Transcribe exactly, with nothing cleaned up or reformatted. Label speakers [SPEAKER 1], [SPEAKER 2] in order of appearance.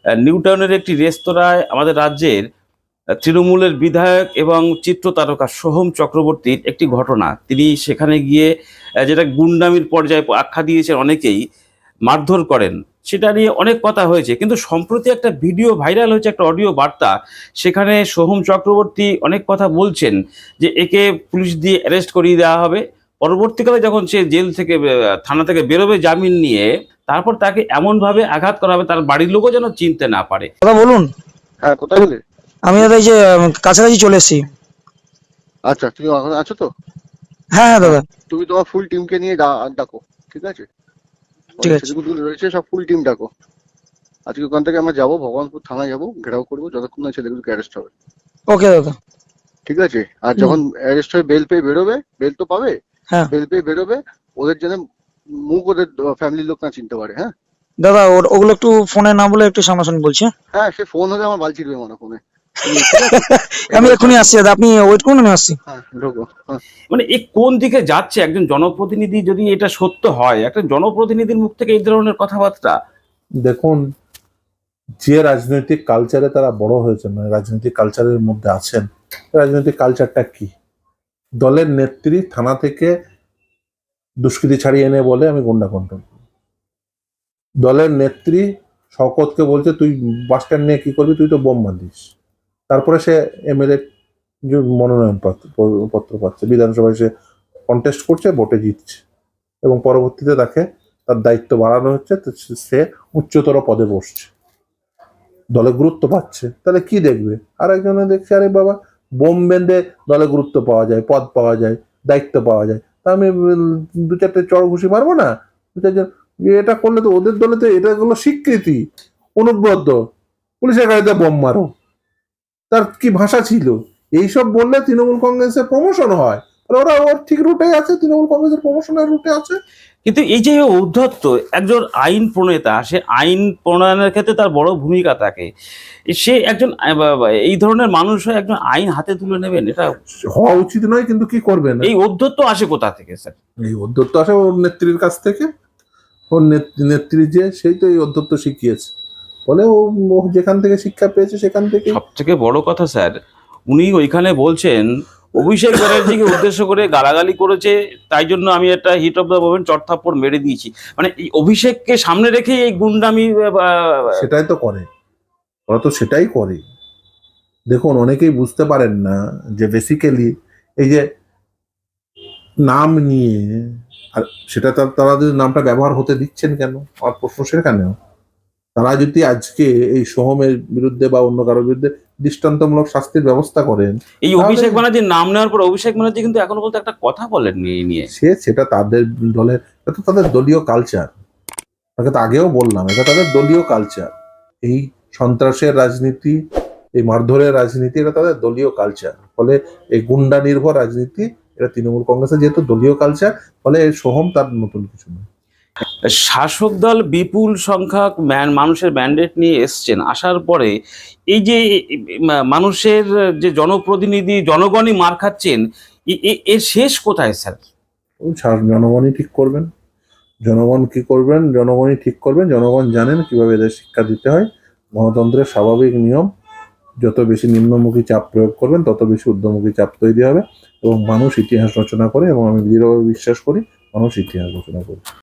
[SPEAKER 1] New টাউনের একটি রেস্তোরাঁয় আমাদের রাজ্যের তৃণমূলের বিধায়ক এবং চিত্রতারকা সোহম চক্রবর্তীর একটি ঘটনা। তিনি সেখানে গিয়ে আহ, যেটা গুন্ডামির পর্যায়ে আখ্যা দিয়েছেন অনেকেই, মারধর করেন, সেটা নিয়ে অনেক কথা হয়েছে। কিন্তু সম্প্রতি একটা ভিডিও ভাইরাল হয়েছে, একটা অডিও বার্তা। সেখানে সোহম চক্রবর্তী অনেক কথা বলছেন যে একে পুলিশ দিয়ে অ্যারেস্ট করিয়ে দেওয়া হবে। পরবর্তীকালে যখন সে জেল থেকে আহ, থানা থেকে বেরোবে জামিন নিয়ে, তারপর তাকে এমনভাবে আঘাত করা হবে তার বাড়ির লোকও যেন চিনতে না পারে।
[SPEAKER 2] দাদা বলুন।
[SPEAKER 3] হ্যাঁ, কোথায় গেলে?
[SPEAKER 2] আমি দাদা এই যে উম, কাছাকাছি চলে এসেছি।
[SPEAKER 3] আচ্ছা, তুমি এখন আছো তো?
[SPEAKER 2] হ্যাঁ হ্যাঁ
[SPEAKER 3] হ্যাঁ,
[SPEAKER 2] দাদা।
[SPEAKER 3] তুমি তোমার ফুল টিমকে নিয়ে ডা- ডাকো, ঠিক আছে?
[SPEAKER 2] ঠিক
[SPEAKER 3] অনেক
[SPEAKER 2] আছে।
[SPEAKER 3] ছেলেগুলো রয়েছে, সব ফুল টিম ডাকো। আজকে ওখান থেকে আমরা যাবো, ভগবানপুর থানায় যাবো, ঘেরাও করবো যতক্ষণ না ছেলেগুলোকে অ্যারেস্ট হবে,
[SPEAKER 2] ওকে দাদা।
[SPEAKER 3] ঠিক আছে? আর
[SPEAKER 2] হুম।
[SPEAKER 3] যখন অ্যারেস্ট হয়ে বেল পেয়ে বেরোবে, বেল তো পাবে,
[SPEAKER 2] হ্যাঁ
[SPEAKER 3] বেল পেয়ে বেরোবে, ওদের যেন মুখ ওদের ফ্যামিলির লোক না চিনতে পারে। হ্যাঁ
[SPEAKER 2] দাদা, ওর- ওগুলো একটু ফোনে না বলে একটু সামনাসামনি বলছি, হ্যাঁ?
[SPEAKER 3] হ্যাঁ, সে ফোন হলে আমার বাল ছিড়বে মনে ফোনে। তুমি ঠিক আছে?
[SPEAKER 2] আমি
[SPEAKER 3] এবারে
[SPEAKER 2] এক্ষুনি
[SPEAKER 3] থাকো।
[SPEAKER 2] আসছি দাদা, আপনি ওয়েট করুন, আমি আসছি।
[SPEAKER 3] হ্যাঁ, ঢোকো। হ্যাঁ,
[SPEAKER 1] মানে এ কোন দিকে যাচ্ছে একজন জনপ্রতিনিধি, যদি এটা সত্য হয়, একটা জনপ্রতিনিধির মুখ থেকে এই ধরনের কথাবার্তা?
[SPEAKER 4] দেখুন, যে রাজনৈতিক কালচারে তারা বড় হয়েছে, মানে রাজনৈতিক কালচারের মধ্যে আছেন, রাজনৈতিক কালচারটা কি? দলের নেত্রী থানা থেকে দুষ্কৃতী ছাড়িয়ে এনে বলে আমি গুন্ডা কন্ট্রোল করব। দলের নেত্রী শওকতকে বলছে তুই বাস স্ট্যান্ড নিয়ে কি করবি, তুই তো বোম বাঁধিস। তারপরে সে এমএলএ মনোনয়ন পত্র পত্র পাচ্ছে, বিধানসভায় সে কন্টেস্ট করছে, ভোটে জিতছে, এবং পরবর্তীতে তাকে তার দায়িত্ব বাড়ানো হচ্ছে, তো সে উচ্চতর পদে বসছে, দলে গুরুত্ব পাচ্ছে। তাহলে কি দেখবে? আর একজনে দেখছে আরে বাবা বোম বেঁধে দলে গুরুত্ব পাওয়া যায়, পদ পাওয়া যায়, দায়িত্ব পাওয়া যায়, তা আমি উম, দু চারটে চড় ঘুষি মারবো না? দু চারজন এটা করলে তো ওদের দলে তো এটা হলো স্বীকৃতি, অনুব্রত, পুলিশের গাড়িতে বোম মারো, তার কি ভাষা ছিল? এইসব বললে তৃণমূল কংগ্রেসের প্রমোশন হয়, আর ওরা ওর ঠিক রুটে আছে, তৃণমূল কংগ্রেসের প্রমোশনের রুটে আছে।
[SPEAKER 1] কিন্তু এই যে ঔদ্ধত্য, একজন আইন প্রণেতা, সে আইন প্রণয়নের ক্ষেত্রে তার বড় ভূমিকা থাকে। সে একজন আহ, বা- বা- এই ধরনের মানুষ হয়ে একজন আইন হাতে তুলে নেবেন, এটা
[SPEAKER 4] হওয়া উচিত নয়, কিন্তু কি করবেন?
[SPEAKER 1] এই ঔদ্ধত্য আসে কোথা থেকে স্যার?
[SPEAKER 4] এই অধ্যত্ত আসে ওর নেত্রীর কাছ থেকে। ওর নেত- নেত্রী যে, সেই তো এই অধ্যত্ত শিখিয়েছে, বলে ও ও যেখান থেকে শিক্ষা পেয়েছে সেখান থেকে।
[SPEAKER 1] সব থেকে বড় কথা স্যার, উনি ওইখানে বলছেন অভিষেক ব্যানার্জিকে উদ্দেশ্য করে গালাগালি করেছে, তাই জন্য আমি একটা হিট অফ দ্য মোমেন্ট চড়থাপ্পড় মেরে দিয়েছি। মানে এই অভিষেককে সামনে রেখে এই গুন্ডামি আহ, আহ,
[SPEAKER 4] সেটাই তো করে, ওরা তো সেটাই করে। দেখুন, অনেকেই বুঝতে পারেন না যে বেসিক্যালি এই যে নাম নিয়ে, আর সেটা তার- তারা যদি নামটা ব্যবহার হতে দিচ্ছেন কেন, আমার প্রশ্ন সেখানেও। তারা যদি আজকে এই সোহমের বিরুদ্ধে বা অন্য কারোর বিরুদ্ধে দৃষ্টান্তমূলক শাস্তির ব্যবস্থা করেন,
[SPEAKER 1] এই
[SPEAKER 4] তাহলে
[SPEAKER 1] অভিষেক ব্যানার্জির নাম নেওয়ার পর অভিষেক ব্যানার্জি কিন্তু এখনো পর্যন্ত একটা কথা বলেননি এই নিয়ে।
[SPEAKER 4] সে সেটা তাদের দলের, এটা তো তাদের দলীয় কালচার। তাকে তো আগেও বললাম, এটা তাদের দলীয় কালচার। এই সন্ত্রাসের রাজনীতি, এই মারধরের রাজনীতি, এটা তাদের দলীয় কালচার। ফলে এই গুন্ডা নির্ভর রাজনীতি, এটা তৃণমূল কংগ্রেসের যেহেতু দলীয় কালচার, ফলে এই সোহম তার নতুন কিছু নয়।
[SPEAKER 1] শাসক দল বিপুল সংখ্যক ম্যান- মানুষের ম্যান্ডেট নিয়ে এসছেন, আসার পরে এই যে মা- মানুষের যে জনপ্রতিনিধি, জনগণই মার খাচ্ছেন, এ- এ- এর শেষ কোথায় স্যার?
[SPEAKER 4] ওই সা- জনগণই ঠিক করবেন। জনগণ কি করবেন? জনগণই ঠিক করবেন। জনগণ জানেন কিভাবে এদের শিক্ষা দিতে হয়। গণতন্ত্রের স্বাভাবিক নিয়ম, যত বেশি নিম্নমুখী চাপ প্রয়োগ করবেন তত বেশি ঊর্ধ্বমুখী চাপ তৈরি হবে, এবং মানুষ ইতিহাস রচনা করে, এবং আমি দৃঢ়ভাবে বিশ্বাস করি মানুষ ইতিহাস রচনা করে।